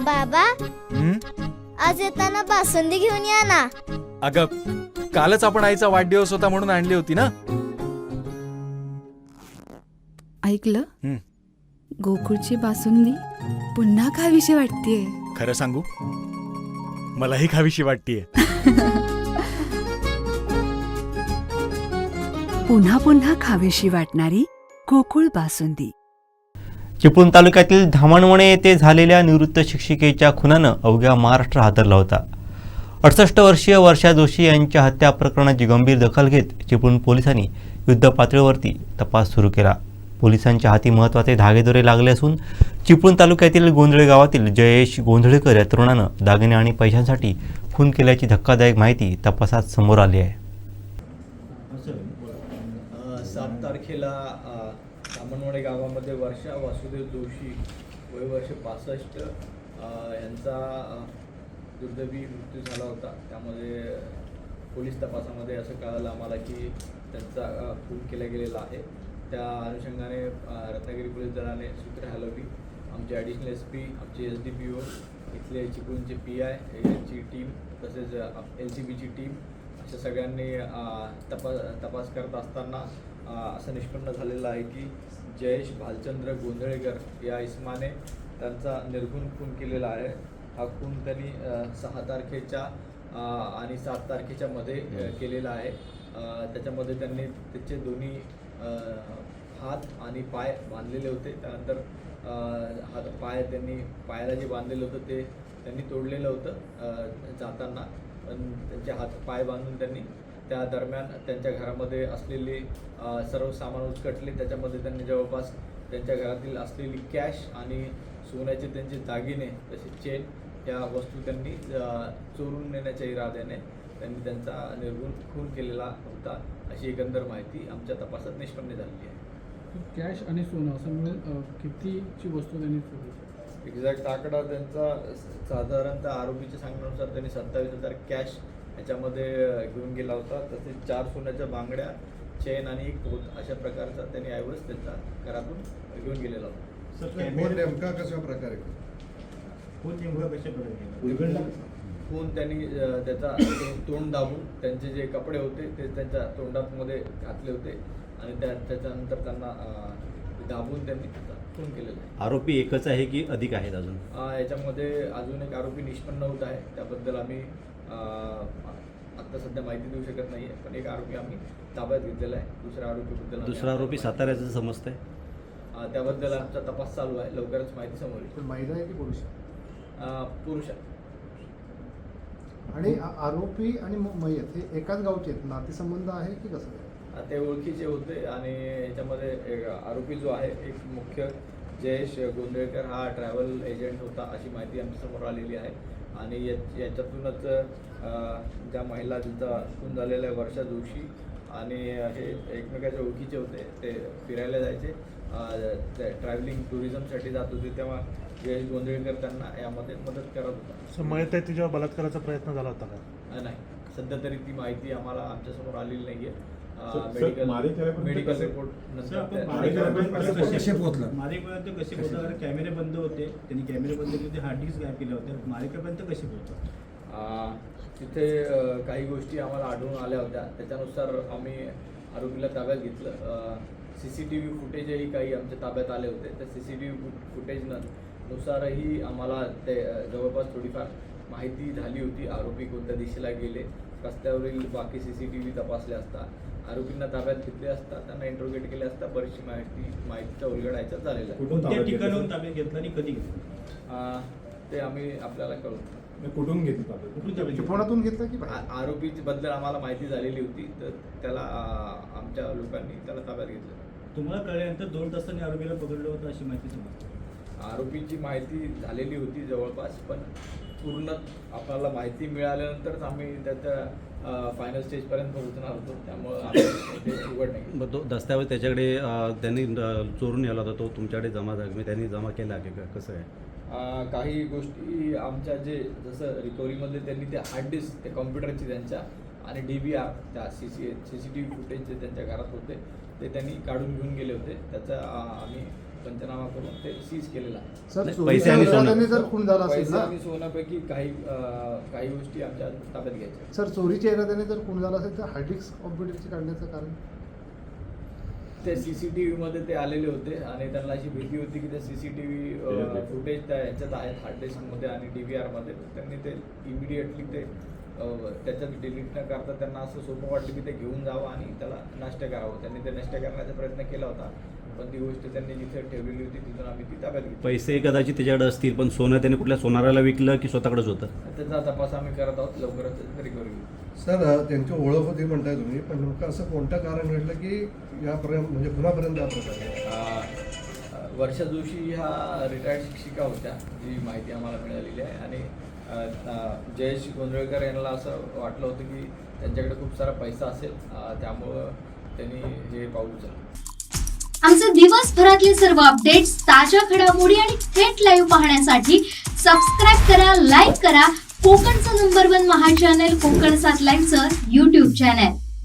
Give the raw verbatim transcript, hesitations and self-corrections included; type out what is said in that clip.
बाबा, हं? आज येताना बासुंदी घेऊन या ना. अगं, कालच आपण आईचा वाढदिवस होता म्हणून आणली होती ना. ऐकलं, हं. गोकुळची बासुंदी पुन्हा खावीशी वाटतेय. खरं सांगू, मलाही खावीशी वाटतेय. पुन्हा पुन्हा खावीशी वाटणारी गोकुळ बासुंदी. चिपळूण तालुक्यातील धामणवणे येथे झालेल्या निवृत्त शिक्षिकेच्या खुनानं अवघ्या महाराष्ट्र हादरला होता. अडुसष्ट वर्षीय वर्षा जोशी यांच्या हत्या प्रकरणाची गंभीर दखल घेत चिपळूण पोलिसांनी युद्ध पातळीवरती तपास सुरू केला. पोलिसांच्या हाती महत्त्वाचे धागेदोरे लागले असून चिपळूण तालुक्यातील गोंधळे गावातील जयेश गोंधळेकर या तरुणानं दागिने आणि पैशांसाठी खून केल्याची धक्कादायक माहिती तपासात समोर आली आहे. सात तारखेला धामणवणे गावामध्ये वर्षा वासुदेव जोशी वय वर्ष पासष्ट यांचा दुर्दैवी मृत्यू झाला होता. त्यामध्ये पोलीस तपासामध्ये असं कळालं आम्हाला की त्यांचा खून केला गेलेला आहे. त्या अनुषंगाने रत्नागिरी पोलीस दलाने सूत्रे हलवली. आमचे ॲडिशनल एस पी, आमचे एस डी पी ओ, इथले चिपळूणचे पी आय यांची टीम, तसेच एल सी बीची टीम अशा सगळ्यांनी तपास तपास करत असताना असं निष्पन्न झालेलं आहे की जयेश भालचंद्र गोंधळेकर या इसमाने त्यांचा निर्घुण खून केलेला आहे. हा खून त्यांनी सहा तारखेच्या आणि सात तारखेच्या मध्ये केलेला आहे. त्याच्यामध्ये त्यांनी त्याचे दोन्ही हात आणि पाय बांधलेले होते. त्यानंतर हात पाय त्यांनी पायाला जे बांधलेलं होतं ते त्यांनी तोडलेलं होतं जाताना. पण त्यांचे हात पाय बांधून त्यांनी त्या दरम्यान त्यांच्या घरामध्ये असलेले सर्व सामान उचकटले. त्याच्यामध्ये त्यांनी जवळपास त्यांच्या घरातील असलेली कॅश आणि सोन्याचे त्यांचे दागिने तसेच चेन या वस्तू त्यांनी चोरून नेण्याच्या इराद्याने त्यांनी त्यांचा निर्घुण खून केलेला होता, अशी एकंदर माहिती आमच्या तपासात निष्पन्न झालेली आहे. कॅश आणि सोनं असं मिळून कितीची वस्तू त्यांनी चोरी? एक्झॅक्ट आकडा त्यांचा साधारणतः आरोपीच्या सांगण्यानुसार त्यांनी सत्तावीस हजार कॅश याच्यामध्ये घेऊन गेला होता. तसेच चार सोन्याच्या बांगड्या, चेन आणि एक पोत अशा प्रकारचा त्यांनी ऐवज त्यांचा घरातून घेऊन गेलेला होता. नेमका कशा प्रकारे खून त्यांनी त्याचा तोंड दाबून त्यांचे जे कपडे होते ते त्यांच्या तोंडामध्ये घातले होते आणि त्या त्याच्यानंतर त्यांना दाबून त्यांनी खून केलेलं आहे. आरोपी एकच आहे की अधिक आहेत अजून? याच्यामध्ये अजून एक आरोपी निष्पन्न होत आहे. त्याबद्दल आम्ही आत्ता सध्या माहिती देऊ शकत नाही आहे, पण एक आरोपी आम्ही ताब्यात घेतलेला आहे. दुसऱ्या आरोपीबद्दल दुसरा आरोपी साताऱ्याचं समजत आहे. त्याबद्दल आमचा तपास चालू आहे. लवकरच माहिती समोर येईल. महिला आहे की पुरुष? पुरुष आहे. आणि आरोपी आणि मयत हे एकाच गावचे आहेत, नातेसंबंध आहे की कसं? ते ओळखीचे होते आणि याच्यामध्ये एक आरोपी जो आहे एक मुख्य जयेश गोंधळेकर हा ट्रॅव्हल एजंट होता, अशी माहिती आमच्यासमोर आलेली आहे. आणि या याच्यातूनच ज्या महिला ज्यांचा खून झालेला आहे वर्षा जोशी आणि हे एकमेकाच्या ओळखीचे होते. ते फिरायला जायचे, ट्रॅव्हलिंग टुरिझमसाठी जात होते, तेव्हा जयेश गोंधळेकर त्यांना यामध्ये मदत करत होता. मयत आहे तिच्यावर बलात्काराचा प्रयत्न झाला होता का? नाही, सध्या तरी ती माहिती आम्हाला आमच्यासमोर आलेली नाही आहे. मेडिकल मेडिकल रिपोर्ट कसे पोहोचलं मारेपर्यंत कसे पोहोचलं? कॅमेरे बंद होते, त्यांनी कॅमेरे बंद केले होते, हार्ड डिस्क गायब केले होते. मारेपर्यंत कसे पोहोचलं? तिथे काही गोष्टी आम्हाला आढळून आल्या होत्या. त्याच्यानुसार आम्ही आरोपीला ताब्यात घेतलं. सी सी टी व्ही फुटेजही काही आमच्या ताब्यात आले होते. त्या सी सी टी व्ही फुटेजनुसारही आम्हाला ते जवळपास थोडीफार माहिती झाली होती. आरोपी कोणत्या दिशेला गेले, रस्त्यावरील बाकी सी सी टी व्ही तपासले असता, आरोपींना ताब्यात घेतले असता, त्यांना इंट्रोगेट केले असता बरीचशी माहिती माहितीचा उलगडायचा झालेला आहे. कोणत्या ठिकाणाहून ताब्यात घेतलं आणि कधी घेतलं ते आम्ही आपल्याला कळू. कुठून घेतलं? चिपळूणातून घेतलं की आरोपी बद्दल आम्हाला माहिती झालेली होती, तर त्याला आमच्या लोकांनी त्याला ताब्यात घेतलं. तुम्हाला कळल्यानंतर दोन तासांनी आरोपीला पकडलं होतं अशी माहिती समजते. आरोपीची माहिती झालेली होती जवळपास, पण पूर्ण आपल्याला माहिती मिळाल्यानंतरच आम्ही त्याच्या फायनल स्टेजपर्यंत पोहोचणार होतो. त्यामुळं ते उघड नाही. मग तो दस्तावेज त्याच्याकडे त्यांनी चोरून नेला होता, तो तुमच्याकडे जमा झाला, त्यांनी जमा केला की कसं आहे? काही गोष्टी आमच्या जे जसं रिकव्हरीमध्ये त्यांनी ते हार्ड डिस्क ते कॉम्प्युटरची त्यांच्या आणि डी बी आर त्या C C C C T V footage जे त्यांच्या घरात होते ते त्यांनी काढून घेऊन गेले होते. त्याचा आम्ही पंचनामा करून ते सीज केलेलं आहे. सर नाही, चोरीच्या पैसे आणि सोनं. इराद्याने जर खून झाला असेल पैसे ना आणि सोन्यापैकी काही अं, काही गोष्टी आमच्या ताब्यात घ्यायच्या. सर चोरीच्या इराद्याने जर खून झाला असेल तर हार्ड डिस्क कॉम्प्युटरची काढण्याचं कारण ते सीसीटीव्ही मध्ये ते आलेले होते आणि त्यांना अशी भीती होती की ते सीसीटीव्ही फुटेज त्या ह्याच्यात आहेत हार्ड डिस्कमध्ये आणि डी व्ही आरमध्ये. त्यांनी ते इमिडिएटली ते अं, त्याच्यात डिलीट न करता त्यांना असं सोपं वाटलं की ते घेऊन जावं आणि त्याला नष्ट करावं. त्यांनी ते नष्ट करण्याचा प्रयत्न केला होता, पण ती गोष्ट त्यांनी जिथे ठेवलेली होती तिथून आम्ही ती ताब्यात घेतली. पैसे कदाचित त्याच्याकडे असतील, पण सोनं त्याने कुठल्या सोनाराला विकलं की स्वतःकडेच होतं? त्याचा तपास आम्ही करत आहोत, लवकरच रिकव्हरी होईल. सर त्यांची ओळख होती म्हणताय तुम्ही, पण नेमकं असं कोणतं कारण घडलं की यापर्यंत म्हणजे कुणापर्यंत हा प्रकार आहे? अं, वर्षा जोशी ह्या रिटायर्ड शिक्षिका होत्या, जी माहिती आम्हाला मिळालेली आहे. आणि अं, जयेश गोंधळकर यांना असं वाटलं होतं की त्यांच्याकडे खूप सारा पैसा असेल, अं, त्यामुळं त्यांनी हे पाऊल उचललं. आमचे दिवसभरातले सर्व अपडेट्स, ताज्या घडामोडी आणि थेट लाईव्ह पाहण्यासाठी सबस्क्राईब करा, लाईक करा कोकणचं नंबर वन महा चॅनल कोकण सात लाईव्हचं यूट्यूब चॅनल.